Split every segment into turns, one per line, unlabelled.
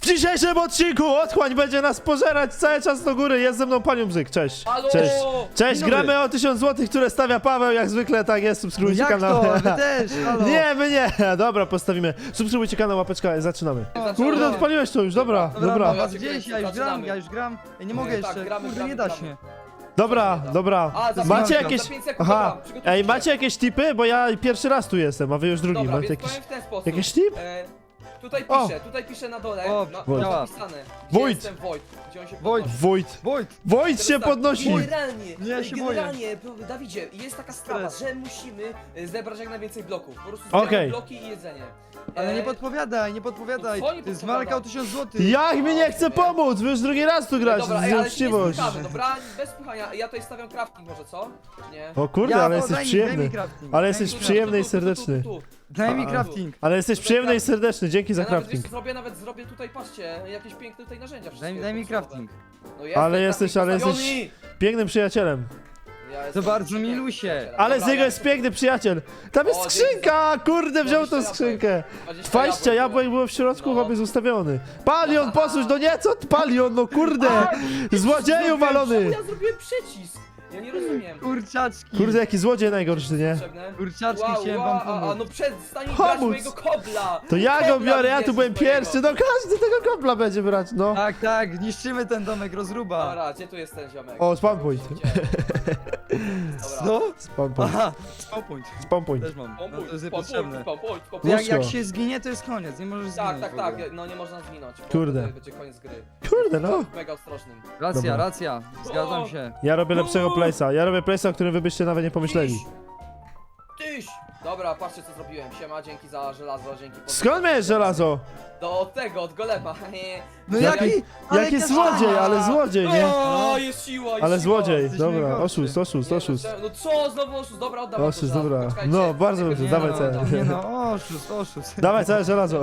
W dzisiejszym odcinku otchłań będzie nas pożerać cały czas do góry. Jest ze mną Panią Bzyk, cześć.
Halo!
Cześć. Cześć,
Dzień dobry.
gramy o 1000 zł, które stawia Paweł, jak zwykle tak jest, subskrybujcie
Jak
kanał.
to? Wy też, halo.
Nie, my nie. Dobra, postawimy. Subskrybujcie kanał, łapeczka, zaczynamy.
Zaczynamy.
Kurde, odpaliłeś to już, dobra,
Dobra,
dobra.
was
Ja
gdzieś, ja już gram,
zaczynamy.
ja już gram. Ja nie mogę
Nie,
jeszcze,
tak, gramy,
kurde,
gramy,
nie da
gramy.
się.
Dobra, dobra.
A, za
Macie
pięć
jakieś...
sekund, za 5 sekund,
Aha,
dobra, przygotujcie
ej,
się.
macie jakieś tipy? Bo ja pierwszy raz tu jestem, a wy już drugi.
Dobra,
Macie
więc
jakieś...
powiem w ten sposób.
Jakiś tip?
Tutaj piszę na dole,
O,
Wojt.
napisane.
Wojt.
Gdzie jestem Wojt? Gdzie on się
Wojt.
podnosi?
Wojt.
Wojt,
Wojt
Teraz
się
tak,
podnosi.
Generalnie,
Nie, ja się boję.
generalnie, Dawidzie, jest taka sprawa,
Stres.
że musimy zebrać jak najwięcej bloków. Po prostu
Okej.
zbieramy bloki i jedzenie.
ale nie
E,
podpowiadaj, nie podpowiadaj.
Co nie
To jest
podpowiadam?
walka o 1000 zł.
Jak mi nie chce pomóc? Wy już drugi raz tu gracie,
Dobra,
to
ej,
jest
ale się nie
uczciwość.
spychamy, dobra? Bez spychania. Ja tutaj stawiam crafting może, co? Nie?
O kurde, ale jesteś
daj mi
przyjemny.
crafting.
Ale
Daj
jesteś
mi-
przyjemny i
Tu,
serdeczny.
tu.
Daj mi
A.
crafting.
Ale jesteś przyjemny i serdeczny, dzięki za
Ja nawet,
crafting.
wiesz, zrobię tutaj, patrzcie, jakieś piękne tutaj narzędzia. wszystkie
Daj mi
podstawowe.
crafting.
No
Ale jesteś, ale jesteś
postawiony!
pięknym przyjacielem.
Ja
To
jestem
bardzo
pięknym
milusie.
przyjacielem.
Ale
Dobra,
z niego
ja
jest
sobie-
piękny przyjaciel. Tam jest
O,
skrzynka, kurde, wziął tą
20
skrzynkę.
20
20 jabłek było w środku,
No.
chłop jest ustawiony. Palion, posłuchaj, no nie, co palion, no kurde. Złodzieju walony.
Czemu ja zrobiłem przycisk? Ja nie rozumiem.
Kurczaczki.
Kurde, jaki złodziej najgorszy, nie?
Potrzebne?
Kurczaczki chciałem wam pomóc.
no przestań
Pomóc.
brać mojego kobla!
To ja go
Kobla
biorę, ja
bierz
tu byłem
swojego.
pierwszy, no każdy tego kobla będzie brać, no.
Tak, tak, niszczymy ten domek, rozruba.
Dobra, gdzie tu jest ten ziomek?
O, spawn point.
Dobra.
No?
Spawn point,
Aha, spawpoint.
spawn point.
Też mam, no to jest
Pompuj,
niepotrzebne.
pompuj.
Jak
Łóżko.
się zginie, to jest koniec, nie możesz zginąć.
Tak,
w
tak,
ogóle.
no nie można zginąć. bo
Kurde.
wtedy będzie koniec gry.
Kurde, no.
Mega ostrożnym.
Racja,
Dobra.
racja, zgadzam
O!
się.
Ja robię lepszego place'a, ja robię place'a, o którym wy byście nawet nie pomyśleli.
Tyś! Dobra, patrzcie co zrobiłem. Siema, dzięki za żelazo, dzięki.
Skąd miałeś żelazo?
Od tego, od golema.
No
Jaki-
jaki, ale
Jaki
kaszana.
złodziej, ale złodziej, nie?
O, jest siła, jest
Ale
siła.
złodziej,
jesteś
dobra,
najgorszy.
oszust, oszust,
Nie,
oszust.
No co, znowu oszust, dobra, oddawaj
Oszust,
to żelazo,
dobra.
poczekajcie.
No, bardzo
Nie,
dobrze,
Nie
dawaj
no,
cel.
Nie no, oszust, oszust.
Dawaj całe żelazo.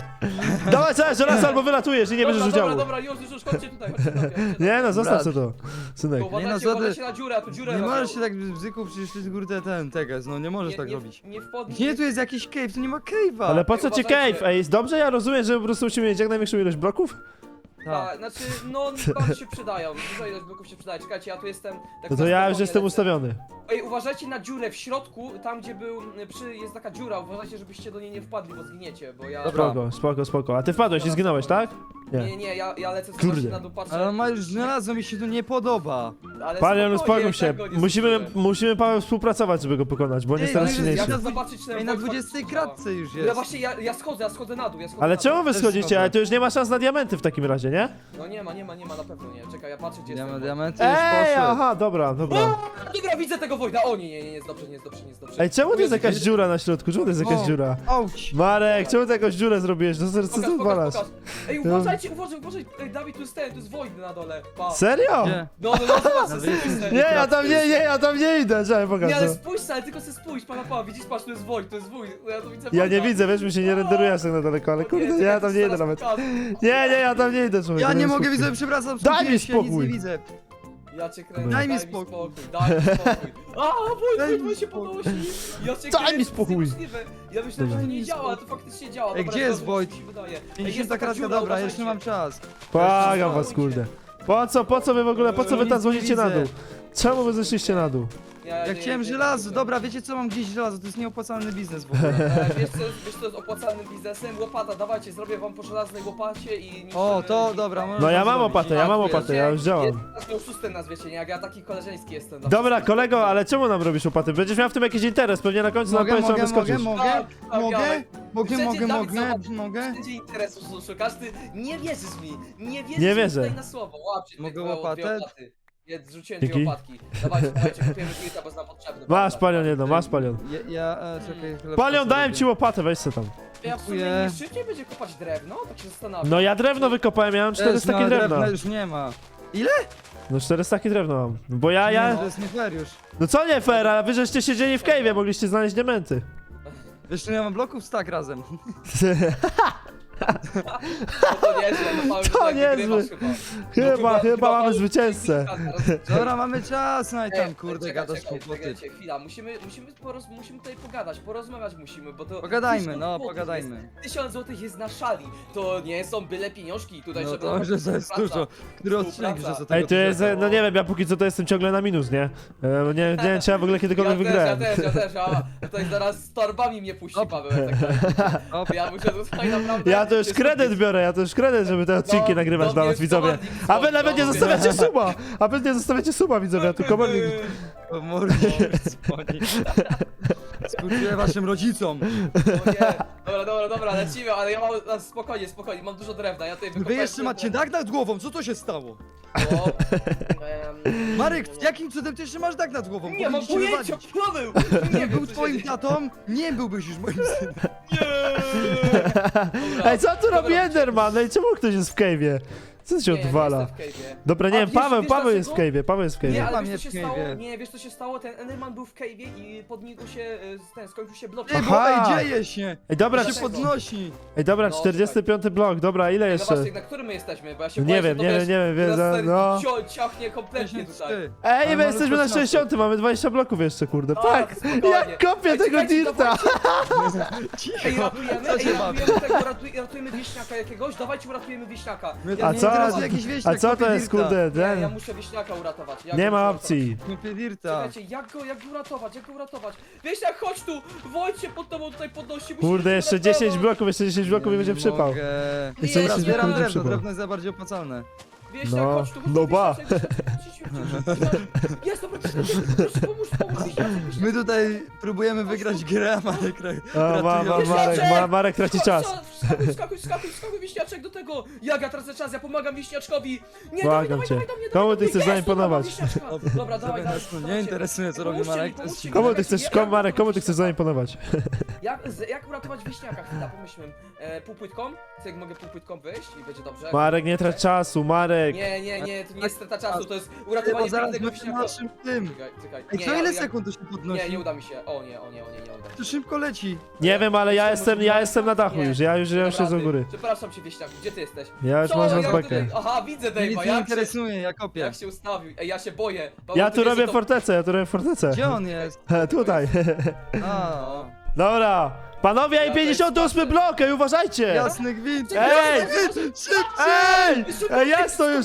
Dawaj całe żelazo albo wylatujesz i nie bierzesz
dobra,
udziału.
dobra, już, chodźcie tutaj, chodźcie tutaj.
Nie no, zostaw
Brat.
co to, synek.
Uważajcie,
Nie no, co ty-
uważajcie na dziurę, a tu dziurę
Nie
robią.
możesz się tak bzyku, przecież to jest kurde ten teges, no nie możesz tak robić.
Nie wpadnij.
Nie, tu jest jakiś cave, tu nie ma cave'a.
Ale po co ci
uważajcie.
cave? Ej, dobrze ja rozumiem, że po prostu musimy mieć jak największą ilość bloków?
Tak.
Tak, znaczy, no bardzo się przydają, dużo ilość bloków się przydaje. Czekajcie, ja tu jestem... Tak
No to
na
ja już
spokojnie
jestem
lecę.
ustawiony.
Ej, uważajcie na dziurę w środku, tam gdzie był, jest taka dziura, uważajcie, żebyście do niej nie wpadli, bo zginiecie, bo ja...
Dobra.
Spoko, spoko, spoko. A ty wpadłeś i zginąłeś, tak?
Nie, ja lecę
Kurde.
zobaczyć na dół, patrzę.
Ale on ma już żelazo, mi się to nie podoba.
Ale
Palion,
spokojnie,
uspokój się.
tak go nie
Musimy,
zgubiłem.
musimy Paweł współpracować, żeby go pokonać, bo on jest
Ej,
teraz
no jest-
silniejszy.
Ja
na
chcę zobaczyć ten
Ej, na
Wojt
20
faktycznie
kratce już
działa.
jest.
Ja właśnie, ja schodzę na dół, ja schodzę
Ale
na
czemu
dół.
wy
Też
schodzicie?
schodzę.
Ale to już nie ma szans na diamenty w takim razie, nie?
No nie ma, na pewno nie. Czekaj, ja patrzę gdzie
Diament,
jest ten
diamenty już
Ej,
poszły.
aha, dobra, dobra.
Wojt. Dobra, widzę tego Wojda, o nie, jest dobrze.
Ej, czemu to jest jakaś dziura na środku? Czemu to jest jakaś
O,
dziura?
Auć.
Marek, czemu ty jakąś dziurę zrobiłeś? No co ty odwalasz?
Ej, uważajcie, ej, Dawid, tu jest Wojt na dole, pa.
Serio?
Gdzie?
No, zobacz, spójrz
Nie, ja tam nie idę, czekaj, pokaż
Nie, ale
to.
spójrz, ale tylko se spójrz, pa, widzisz, patrz, tu jest Wojt, ja tu widzę
Ja nie
Wojta.
widzę, wiesz, mi się nie renderuje aż tak na daleko, ale kurde, ja tam nie idę nawet. Nie, ja tam nie idę, człowiek.
Ja nie mogę, widzę, przepraszam,
Daj mi
skupiłem się, nic
spokój.
nie widzę.
Ja cię kręcę,
Daj mi
daj mi spokój. A, Wojt się podnosi. Ja cię
Daj mi
kręcę, to jest
spokój.
niemożliwe. Ja myślałem, że to
Daj
nie
mi
działa, a to faktycznie działa.
Ej,
Dobra,
gdzie jest
dobra,
Wojt?
mi się wydaje. Ej,
50
jest taka
kratka,
dziura,
dobra,
uważajcie.
jeszcze mam czas.
Błagam was, kurde. Po co wy w ogóle, po co wy tam
Nic nie
złożycie na
widzę.
dół? Czemu wy zeszliście na dół?
Ja chciałem żelazo, dobra, wiecie co, mam gdzieś żelazo, to jest nieopłacalny biznes w ogóle.
Wiesz co jest opłacalnym biznesem? Łopata, dawajcie, zrobię wam po żelaznej łopacie i...
O, to dobra, możesz
No ja
to
mam
zrobić.
opatę, ja mam opatę, ja już działam.
Jest oszustem nazwiecie, nie? Jak ja taki koleżeński jestem. no.
Dobra, kolego, ale czemu nam robisz łopaty? Będziesz miał w tym jakiś interes, pewnie na końcu nam
Mogę,
powiesz, trzeba
mogę,
wyskoczyć.
Wszędzie interesu szukasz, ty nie wierzysz mi, nie wierzysz
Nie
mi
wierzę.
tutaj na słowo. Łapcie
Mogę
dwie
łopatę?
łopaty. Ja zrzuciłem
Dzięki.
dwie łopatki. Dawajcie, kupujemy kilka, bo jest nam potrzebne.
Masz
Dobra.
palion jedno, masz palion.
Czekaj, chwilę.
Palion, dałem ci łopatę, weź se tam.
Ja w sumie
Dziękuję.
nie szybciej będzie kopać drewno? Tak się zastanawiam.
No ja drewno wykopałem, ja mam 400 takie drewna.
już nie ma.
No 400 takie drewno mam. Bo
Nie,
ja...
to jest nie fair już.
No co nie fair, ale wy żeście siedzieli w cave'ie, mogliście znaleźć diamenty.
Wiesz, ja mam bloków stack razem.
To niezłe, no Paweł,
To
tutaj
niezłe.
wygrywasz chyba.
Chyba mamy
Paweł,
zwycięzcę.
Dobra, mamy czas, no i tam
Ej,
kurde
czekaj,
gadasz
czekaj,
kłopoty.
czekajcie, chwila, musimy tutaj pogadać, porozmawiać musimy, bo to...
Pogadajmy,
1000
no,
złotych
pogadajmy.
Jest, 1000 złotych jest na szali, to nie są byle pieniążki tutaj,
No
żeby...
to, że to jest
Współpraca.
dużo. Który odcinek, że
Współpraca.
za tego
Ej, to jest,
dużo?
no nie wiem, ja póki co to jestem ciągle na minus, nie? Nie wiem, czy ja w ogóle kiedykolwiek wygrałem.
Ja też, a tutaj zaraz z torbami mnie puści Paweł, jak tak
Hop.
ja muszę tutaj naprawdę...
Ja to już kredyt biorę, ja to już kredyt, żeby te odcinki
No,
nagrywać
no
dla
mnie
was, widzowie.
wprowadzi w
A wy
sąd,
nawet nie
no,
zostawiacie suba! A wy nie zostawiacie suba, widzowie, tu komornik...
O mordzie dzwoni. Współczuję waszym rodzicom.
O nie. Dobra, lecimy, ale ja mam... Spokojnie, mam dużo drewna, ja tutaj
Wy
wykopałem
jeszcze
sobie
macie dach nad głową, co to się stało?
drewno.
Marek, jakim cudem ty jeszcze masz dach nad głową?
Nie mam
Powinniście
pojęcia,
wywalić.
Paweł!
Nie był twoim tatą, nie byłbyś już moim synem.
Ej, co tu robi Enderman? Ej, czemu ktoś jest w cave'ie? Co się odwala? Dobra, nie
A
wiem,
wiesz
Paweł jest w
dlaczego?
cave'ie, Paweł jest w
Nie,
cave'ie.
ale
Tam
wiesz co
jest
się
w
stało?
cave'ie.
Nie, wiesz co się stało? Ten Enderman był w cave'ie i pod nim tu się, skończył się blok.
Ej,
Aha.
bo ej, dzieje się!
Ej, dobra,
się
Dlaczego?
podnosi!
ej, dobra,
No,
45 blok, dobra, ile
No
jeszcze?
właśnie, na którym my jesteśmy? Bo ja się
Nie
boję, że
wiem,
to
nie
wiesz,
wiem, wiem,
teraz
no.
ciachnie kompletnie tutaj.
53.
Ej,
Ale
my
może
jesteśmy na
rozpoczynamy.
60, mamy 20 bloków jeszcze, kurde.
A,
Tak,
spokojnie.
jak kopię
Ej,
tego
czekajcie,
dirta.
Ej,
Co się
ratujemy tego, ratujemy wieśniaka jakiegoś, dawajcie uratujemy wieśniaka.
Mnie
A
to nie
co?
interesuje jakiś wieśniak,
A co to
kopie
jest,
dirta.
kurde,
Nie, ja
ten?
muszę wieśniaka uratować. Ja
Nie
go
ma
muszę
opcji.
Kopie dirta.
Czekajcie, jak go uratować? Wieśniak, chodź tu! Wojt się pod tobą tutaj podnosi, musimy
Kurde,
go
jeszcze
uratować.
10 bloków, jeszcze 10 bloków i będzie przypał.
Mogę.
Jeszcze
Nie,
Dobra,
10
zbieram
bloków będzie
drewno,
przypał.
drewno jest najbardziej opłacalne.
Wieśniak,
No,
chodź tu, chodź
no
tu,
ba.
Jest, dobra, pomóż, wieśniak.
My tutaj próbujemy wygrać grę, a Marek
Marek traci czas.
Skakuj, wieśniaczek do tego! Ja tracę czas, ja pomagam wieśniaczkowi! Nie,
Błagam
dawaj
cię.
do mnie,
Komu ty
do mnie.
chcesz
Jest,
zaimponować?
Dobra, dawaj,
Nas to nie interesuje, co robi Marek, to jest
Komu ty chcesz, Marek, komu ty chcesz zaimponować?
Jak uratować wieśniaka? Chwila, pomyślmy. Półpłytką? Co, jak mogę półpłytką wyjść i będzie dobrze?
Marek, nie trać czasu, Marek.
Nie, to nie jest strata czasu, to jest
Bo
uratowanie
zaraz
pięknego
będzie
wieśniaka.
naszym tym.
Czekaj.
Ej,
Nie,
co ile
ja-
sekund to się podnosi?
Nie uda mi się. O nie, nie uda mi
To
się.
szybko leci.
Nie wiem, ale ja jestem na dachu
Nie.
już, ja już
Dobra,
siedzę u
ty.
góry.
Przepraszam cię, wieśniaku, gdzie ty jesteś?
Ja już
Co?
mam
Jak
rozbekę.
tutaj- Aha, widzę
Mnie nic
Dave'a,
nie
jak
interesuje, ja kopię.
jak się ustawił. Ej, ja się boję.
Ja
Paweł,
tu
wiesz,
robię
że to-
fortecę.
Gdzie on jest?
Tutaj.
A,
Dobra. Panowie, i
Ja
58 blok, ej, uważajcie!
jasny gwint.
Ej!
Szybciej!
Ej, jest to już,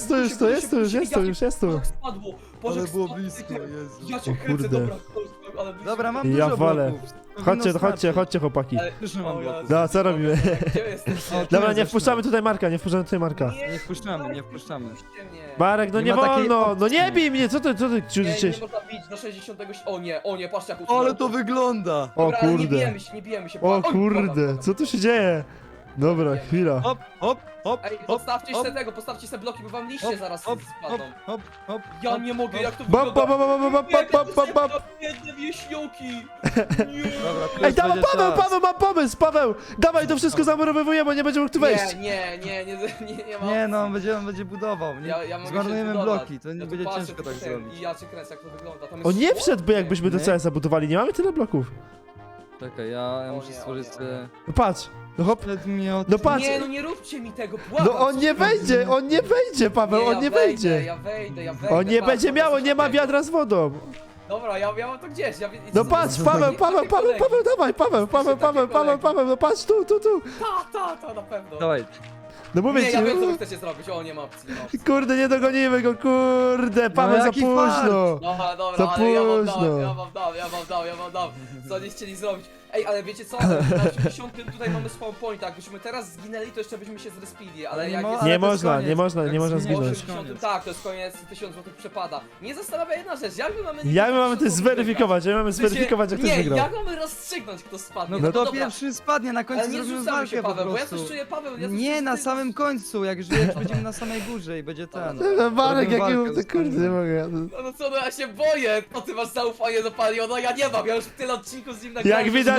jest tu.
Spadło. Boże,
Ale było
spadło.
blisko, Jezu.
Ja cię
O
kręcę,
kurde.
dobra. Ale blisko.
Dobra, mam
Ja
dużo
walę.
bloków. Powinno starczyć.
Chodźcie chłopaki.
Ale-
Już nie mam
O
bloków.
No, co robimy?
Gdzie jesteś?
O, tu
Dobra,
jest
nie
jeszcze.
wpuszczamy tutaj Marka,
Nie wpuszczamy.
Puśćcie mnie.
Marek, no
Nie
nie
ma takiej
wolno, no
opcji.
nie bij mnie, co ty
Nie
ciudzisz?
można bić do 60. O nie, patrz jak
Ale to wygląda.
O
Dobra, ale
kurde.
nie bijemy się.
O
Oj,
kurde,
dobra.
co tu się dzieje? Dobra, chwila.
Hop, hop, hop,
Ej,
hop,
postawcie
hop,
se tego, postawcie se bloki, bo wam liście
hop,
zaraz
hop, hop,
spadną.
hop, hop.
Ja
hop,
nie mogę,
hop.
jak to
Bop,
wygląda.
bop, bop, bop, bop, bop, bop, bop, bop.
Biedne wieśnioki. Nie.
Dobra, tu
Ej,
już
dawaj,
będzie
Paweł,
czas.
Paweł, mam pomysł, Paweł! Dawaj, to wszystko zamurowywujemy, bo nie będzie mógł tu wejść.
Nie ma
Nie no,
opcji.
on będzie budował. Nie,
Ja mogę
zmarnujemy
się zbudować.
bloki, to nie
Ja tu
będzie
patrzę,
ciężko
tu
tak
ten,
zrobić.
I ja cię kręcę, jak to wygląda. Tam jest
On nie
szkło?
wszedłby, jakbyśmy do
Nie.
CS zabudowali, nie mamy tyle bloków.
Czekaj, ja
O
muszę
nie,
stworzyć
o nie,
sobie...
No patrz, no hop.
Przedmiot.
No patrz.
Nie, no nie róbcie mi tego, błagam.
No on nie wejdzie, Paweł, on nie wejdzie.
Ja wejdę.
On nie
patrz,
będzie
patrz,
miało,
patrz,
nie ma
patrz.
wiadra z wodą.
Dobra, ja mam to gdzieś.
No patrz, Paweł, dawaj, Paweł, no patrz, tu.
Ta, na pewno.
Dawaj,
No mówię
Nie,
ci,
ja wiem co wy chcecie zrobić, o nie ma opcji, nie ma opcji.
kurde, nie dogonimy go, kurde, Paweł, za
jaki
późno.
Dobra,
Za
ale ja wam
późno.
dam, co nie chcieli zrobić. Ej, ale wiecie co, na 80 tutaj mamy spawn point, jakbyśmy teraz zginęli, to jeszcze byśmy się zrespili, ale
Ale
jak
nie
jest...
mo-
Nie
Ale to jest
można,
koniec.
nie można
Jak zginiesz,
zginąć.
to jest koniec.
Tak, to jest koniec, 1000 zł przepada. Nie zastanawia jedna rzecz, jak my mamy...
Jak my mamy to zweryfikować, jak jak ktoś
Nie,
wygrał.
jak mamy rozstrzygnąć, kto spadnie.
no kto
dobra.
pierwszy spadnie, na
Ale
końcu
nie
zrobimy
zrzucamy się,
walkę po
Paweł, bo ja
prostu.
coś czuję, Paweł, ja coś
Nie,
czuję,
na
ty-
samym końcu, jak będziemy na samej górze i będzie ten.
No, Marek,
Robimy
jaki
walkę ze
kurde, nie mogę.
No co, no ja się boję, to ty masz zaufanie do Paliona, ja nie mam, ja już tyle odcinków z nim nagrałem.
Jak
że
widać,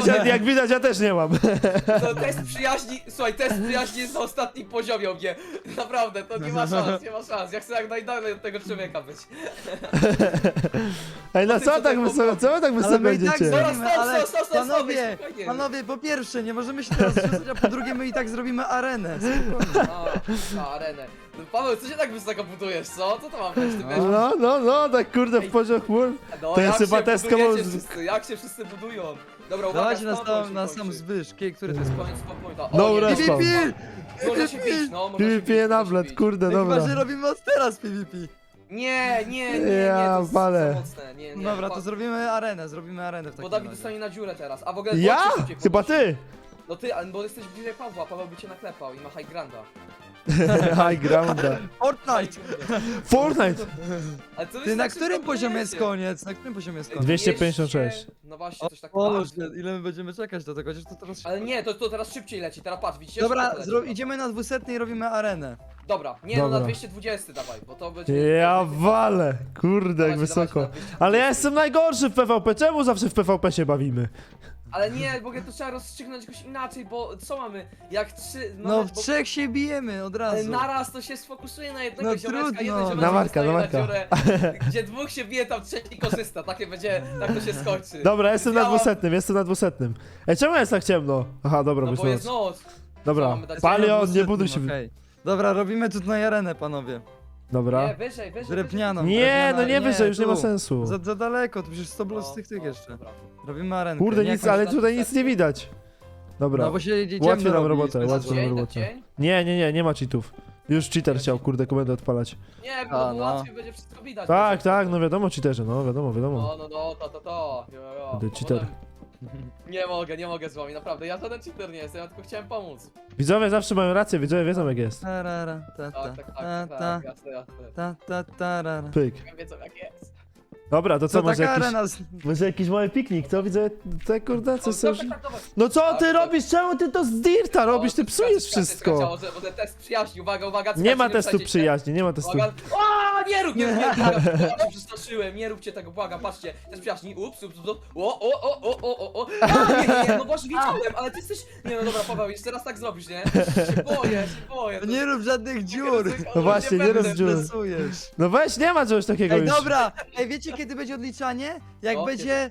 jak widać, ja też nie mam.
To test przyjaźni, słuchaj, test przyjaźni jest na ostatnim poziomie u mnie. Naprawdę, to nie ma szans, nie ma szans. Ja chcę jak najdalej od tego człowieka być.
Ej, no
ty
co
co
tak
tak
wysoko, co wy tak
Ale
wysoko
my i tak
idziecie?
zrobimy,
Stop,
ale
stop, stop,
panowie,
spokojnie.
panowie, po pierwsze, nie możemy się teraz rzucać, a po drugie my i tak zrobimy arenę. Spokojnie.
Na arenę. No, Paweł, co się tak wysoko budujesz, co? Co to ma być? Ty wiesz?
No, tak kurde w poziom chmur.
No,
To
jak
jest chyba
się
test
budujecie
komu-
wszyscy, jak się wszyscy budują? Dobra, uwaga,
Dawajcie na
spawn
sam,
point
na
się
sam
kończy.
zbysz, który to
To
jest?
jest koniec spawn pointa.
No,
O, nie,
respawn.
PvP!
Można się bić, no, można się bić,
PvP na
można się
blat,
bić.
kurde,
No chyba, że
dobra.
robimy od teraz PvP.
Nie,
Ja
to jest
walę.
za mocne, nie.
Dobra,
Pa-
to zrobimy arenę w
Bo
takim
Dawid
razie.
dostanie na dziurę teraz, a w ogóle
Ja?
bądźcie szybciej
Chyba
podnosi.
ty.
No ty, bo jesteś bliżej Pawła, Paweł by cię naklepał i ma high granda.
High grounda.
Fortnite!
Fortnite.
Ale co wy
Ty,
się
na
tak
którym
szybko
poziomie jest
budujecie?
koniec? Na którym poziomie jest koniec?
256.
No właśnie, coś tak
Boże, ile my będziemy czekać do tego, chociaż to teraz...
Ale nie, to teraz szybciej leci, teraz patrz, widzicie?
Dobra,
Szybko to leci.
idziemy na 200 i robimy arenę.
Dobra, nie no
Dobra.
na 220 dawaj, bo to będzie...
Ja walę. Kurde, jak
Dawajcie,
wysoko.
dawajcie na 220.
Ale ja jestem najgorszy w PvP. Czemu zawsze w PvP się bawimy?
Ale nie, w ogóle to trzeba rozstrzygnąć jakoś inaczej, bo co mamy? Jak trzy...
No
mamy-
w trzech się bijemy od
Ale
razu.
naraz to się sfokusuje na jednego
No
ziomeczka,
trudno.
jeden ziomeczek
Na Marka,
dostaje
na Marka.
dziurę, gdzie dwóch się bije, tam trzeci korzysta, takie będzie, tak to się skończy.
Dobra, jestem na
Działa-
200. Ej, czemu jest tak ciemno? Aha, dobra,
No
jest
bo jest
noc.
noc. Co
Dobra,
mamy dać?
Palion, nie buduj się.
Okej. Dobra, robimy tutaj arenę, panowie.
Nie,
Dobra.
wyżej.
Drewnianą.
Nie,
drewniana-
no nie wyżej, już nie ma
tu.
sensu.
Za daleko, tu przecież 100
No,
z tych
no,
jeszcze.
dobra.
Robimy arenkę.
Kurde,
nie
nic,
jakąś-
ale tutaj nic nie widać. Dobra.
No bo się idziemy
Łatwiej nam
robić,
robotę,
bez-
łatwiej nam
Dzień,
robotę.
dzień?
Nie ma cheatów. Już cheater chciał, kurde, komendę odpalać.
Nie,
A,
bo
no.
łatwiej będzie wszystko widać.
Tak, no wiadomo cheaterzy, no wiadomo.
No, to. Jo.
Ty cheater.
Nie mogę z wami, naprawdę, ja żaden cheater nie jestem, ja tylko chciałem pomóc.
Widzowie zawsze mają rację, widzowie wiedzą jak jest.
Tarara, ta, ta,
Tak,
ta, ta,
tak, jasne.
ta, tarara.
Pyk.
Wiedzą jak jest.
Dobra, to co,
Co
może
taka
jakiś,
arena?
może jakiś mały piknik, co? Widzę, te kurde, co są...
Dobra.
No co ty
Tak,
robisz? Czemu ty to z dirta robisz? Ty psujesz wszystko.
Bo ten test przyjaźni, uwaga,
Nie ma testu
wsadzicie.
przyjaźni, nie ma testu.
Uwaga. O, nie rób, błagam, się przestraszyłem, nie róbcie tego, błagam, patrzcie, test przyjaźni, ups, o, nie, no właśnie wiedziałem, ale ty jesteś, nie no dobra, Paweł, jeszcze raz tak zrobisz, nie? Się boję. to-
Nie rób żadnych dziur.
No właśnie, nie
będę.
rób dziur.
Stresujesz.
No weź, nie ma czegoś takiego
Ej,
już.
dobra! Ej, wiecie kiedy będzie odliczanie? Jak
No,
będzie...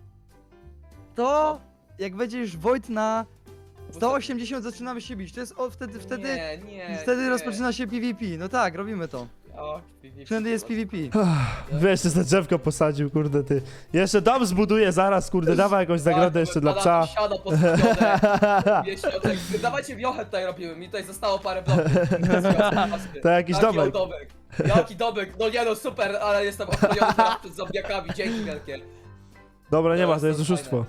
To... Jak będzie już Wojt na 180 zaczynamy się bić. To jest wtedy
Nie.
rozpoczyna się PvP. No tak, robimy to.
O,
Wtedy jest PvP.
Wiesz, że te drzewko posadził, kurde ty. Jeszcze dom zbuduje zaraz, kurde, dawaj jakąś zagrodę jeszcze dla psa.
Siada postawione, wieśniaczek. Dawajcie wiochę tutaj robimy, mi tutaj zostało parę bloków.
To jakiś
Taki
domek.
domek. Jaki domek, no nie no super, ale jestem ochroniony teraz przed zombiakami, dzięki wielkie.
Dobra, nie ma, to
Teraz
jest
to
oszustwo.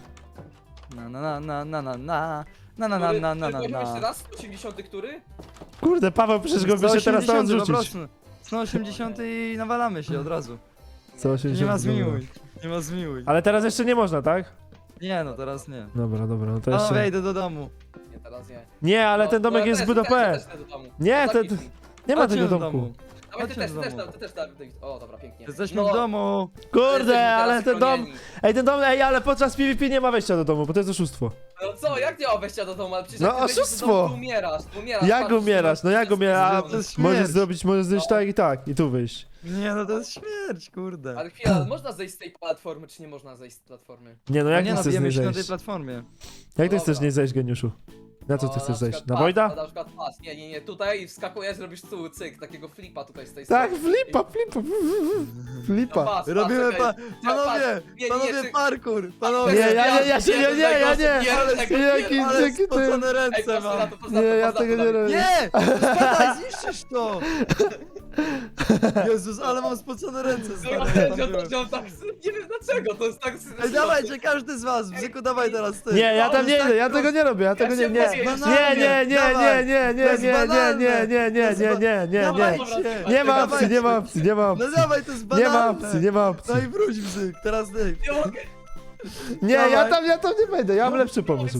Jeszcze raz, 80 który?
Kurde, Paweł, przecież go by się teraz tam
180 po
odrzucić.
prostu. 180 i nawalamy się od razu.
180.
Nie ma
dobra.
zmiłuj. Nie ma zmiłuj.
Ale teraz jeszcze nie można, tak?
Nie no, teraz nie.
Dobra, no to
O,
jeszcze...
wejdę do domu.
Nie, teraz nie.
Nie, ale
No,
ten domek
no,
jest
też,
zbyt OP.
też idę do domu.
Nie,
No,
to-
zapnij.
Nie ma
Chodźcie
tego
do
domku.
domu.
Dawaj, ty
Chodźcie
też,
do domu.
Dawid. O, dobra, pięknie.
Jesteśmy
No,
w domu.
Kurde,
jesteśmy
ale
teraz
ten dom...
chronieni.
Ej, ten dom, ale podczas PvP nie ma wejścia do domu, bo to jest oszustwo.
No co, jak nie ma wejścia do domu? Ale przecież
No,
jak ty wejdziesz do
oszustwo.
domu, to umierasz.
Jak
patrz,
umierasz? No jak umierasz?
To jest
Możesz
śmierć.
zrobić tak i tu wyjść.
Nie no, to jest śmierć, kurde.
Ale chwila, można zejść z tej platformy, czy nie można zejść z platformy?
Nie, no
No
jak
nie
ty
no,
chcesz z
bijemy
niej
się na tej
zejść?
platformie.
Jak ty
Dobra.
chcesz z niej zejść, geniuszu? Na co ty
No,
chcesz zejść?
przykład
Na
pas,
Wojda?
Na przykład pas. Nie, tutaj wskakujesz, robisz cyk, takiego flipa tutaj z tej
Tak,
strony.
flipa.
No,
Flipa.
pas,
Robimy
czekaj.
panowie,
Nie,
panowie
czy-
parkour,
Nie,
panowie.
ja nie. Jaki
Ale
ty.
spocone
Ej,
ręce
patrz na
mam.
to, patrz na to,
Nie, ja
patrz na
tego
to,
nie
Dawid.
robię.
Nie! Spadaj, zniszczysz to! Jezus, ale mam spocone ręce,
No,
stary.
ja
tam
wiem,
byłem.
że on tak, nie wiem dlaczego, to jest tak...
Ej, dawajcie, każdy z was, Bzyku, dawaj teraz ty.
Nie, ja tam
To
nie
jest
idę,
tak
ja tego nie robię, ja tego nie, nie.
się boję.
Nie ma
No
opcji.
dawaj, to jest
Nie ma
banalne.
opcji, nie ma opcji.
No i wróć, Bzyk, teraz ty.
Nie mogę.
Nie, ja
Dawaj.
tam nie wejdę, ja mam lepszy pomysł.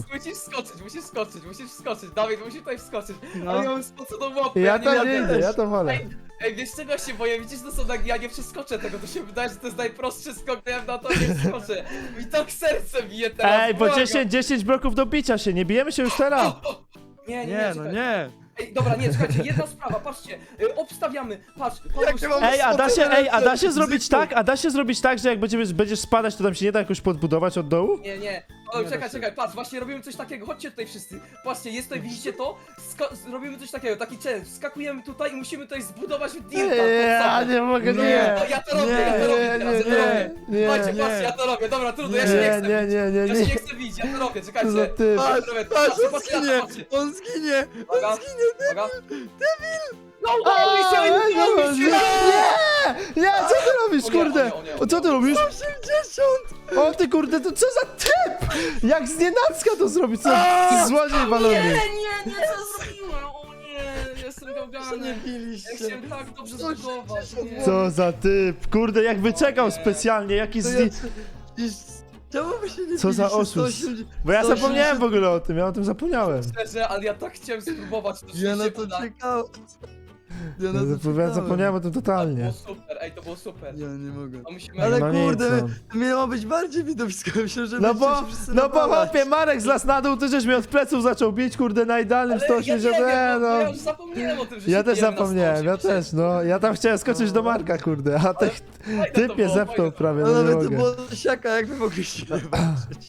Musisz skoczyć, Dawid, musisz tutaj wskoczyć.
No.
Ale ja mam spoconą łapkę,
Ja
nie
tam
mogę.
nie idę, ja tam wolę.
Ej, wiesz czego się boję? Widzisz, to są tak, ja nie przeskoczę tego, to się wydaje, że to jest najprostszy skok, to ja na to nie przeskoczę. Mi tak serce bije teraz,
Ej, bo
błagam.
10 bloków do bicia się, nie bijemy się już teraz.
Nie,
Nie, no
czekaj.
nie.
Ej, dobra, nie, czekajcie, jedna sprawa, patrzcie, obstawiamy, patrz,
Jakie mam-
Ej, a da się zrobić
Bzyku.
tak, że jak będziesz spadać, to tam się nie da jakoś podbudować od dołu?
Nie. O,
Nie da
czekaj,
się.
czekaj, patrz, właśnie robimy coś takiego, chodźcie tutaj wszyscy. Patrzcie, jest tutaj, widzicie to? Robimy coś takiego, taki challenge, skakujemy tutaj i musimy tutaj zbudować dirta.
Ja nie mogę,
Nie.
nie.
No, ja to robię,
Nie,
ja to robię teraz, ja to robię.
nie,
Patrzcie,
nie.
patrzcie, ja to robię, dobra, trudno, ja się nie
Nie,
chcę
nie,
bić.
nie,
Ja się
nie.
nie chcę bić, ja to robię,
Co za
czekajcie.
ty?
Patrz,
Patrzcie,
patrz, on
patrzcie,
zginie!
patrzcie.
On zginie!
Uwaga,
On zginie!
uwaga. No,
A,
udało mi się, udało mi się!
Nie, co ty robisz,
O nie,
kurde?
o nie, o nie,
O, co ty robisz?
80!
O ty kurde, to co za typ? Jak znienacka to zrobić, co ty złodziej walony.
Nie, co zrobiłem? O nie, jestem
Co
gałgany.
nie
Ja
biliście?
chciałem tak dobrze
180
zbudować. nie.
Co za typ? Kurde, jak wyczekał specjalnie, jaki
To
zni...
Czemu wy się nie
Co za
biliście?
oszust.
180
Bo ja
180
zapomniałem w ogóle o tym, ja o tym zapomniałem.
Szczerze, ale ja tak chciałem spróbować, to
Ja na
się
to
uda.
czekałem. Ja na to
Ja
czekałem.
zapomniałem o tym
To
totalnie.
było super, ej, to było super.
Ja nie mogę.
To musimy...
Ale
No nic,
kurde,
no.
miało być bardziej widowisko, myślę, że
No
będziecie
bo,
się wszyscy
no bo
nawalać.
hopie, Marek zlasł na dół, ty żeś mnie od pleców zaczął bić, kurde, na idealnym
Ale ja nie
180,
wiem, bo
no.
ja już zapomniałem o tym, że
Ja
się
też
bijemy na
zapomniałem, ja
180.
też, no. Ja tam chciałem skoczyć do Marka, kurde, a
Ale
tych
fajne to
typ mnie
było,
zepnął
fajne to
prawie,
No
no nie
nawet to
mogę.
było siaka, jak wy mogliście walczyć.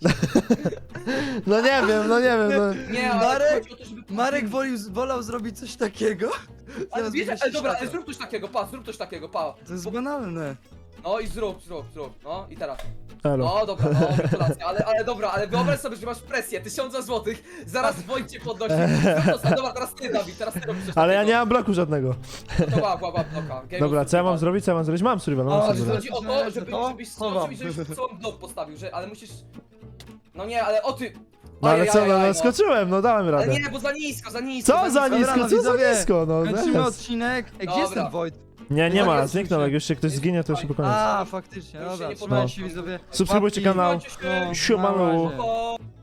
No nie wiem, no.
Nie, ale
Marek-
chodzi o to, żeby...
Marek wolał zrobić coś takiego.
Ale
zamiast
wiesz,
wymyślić
dobra,
siaka.
zrób coś takiego, pa, zrób coś takiego, pa.
To jest banalne.
No i zrób, no i teraz.
Elo.
No dobra, no gratulacje, ale dobra, ale wyobraź sobie, że masz presję, 1000 złotych, zaraz Wojt cię podnosi. Zrób to, dobra, teraz ty, Dawid, teraz ty robisz coś
Ale ja
takiego.
nie mam bloku żadnego.
No to łap, bloka. Game
Dobra,
of
co ja mam
survival.
zrobić, co ja mam zrobić? Mam survival, mam
O,
survival.
Chodzi o to, żebyś
Chowam.
cały blok postawił, ale musisz... No nie, ale o ty...
No ale co,
Ajajaj,
no skoczyłem, no dałem
Ale
radę.
nie, bo za nisko.
Co za
Dobra,
nisko,
no
co za
widzowie,
nisko, no.
Kończymy
zaraz.
odcinek. Ej, gdzie jest
Dobra.
ten Wojt?
Nie ma,
Jest,
zniknął, jak już się ktoś zginie, to się po koniec.
A, faktycznie,
Już się
dobra,
nie
trzymajcie się
podoba.
widzowie.
Subskrybujcie
Łapki.
kanał.
Trzymajcie się.
Siemano.
Na razie.
O.